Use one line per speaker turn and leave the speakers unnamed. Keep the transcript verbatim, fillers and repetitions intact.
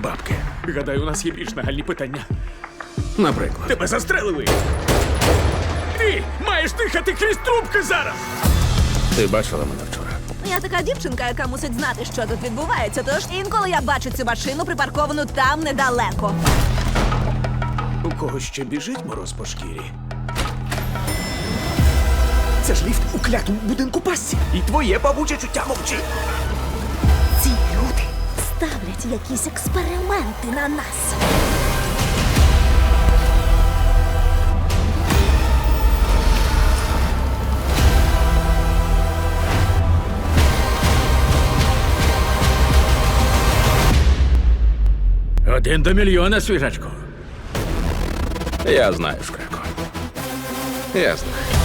бабки.
Гадаю, у нас є більш нагальні питання.
Наприклад.
Тебе застрелили! Ти маєш дихати крізь трубки зараз!
Ти бачила мене вчора?
Я така дівчинка, яка мусить знати, що тут відбувається. Тож інколи я бачу цю машину припарковану там недалеко.
У кого ще біжить мороз по шкірі? Це ж ліфт у клятому будинку пасті. І твоє бабуче чуття мовчить.
Ці люди ставлять якісь експерименти на нас.
Один до мільйона, свіжачко.
Я знаю, Шкряко. Я знаю.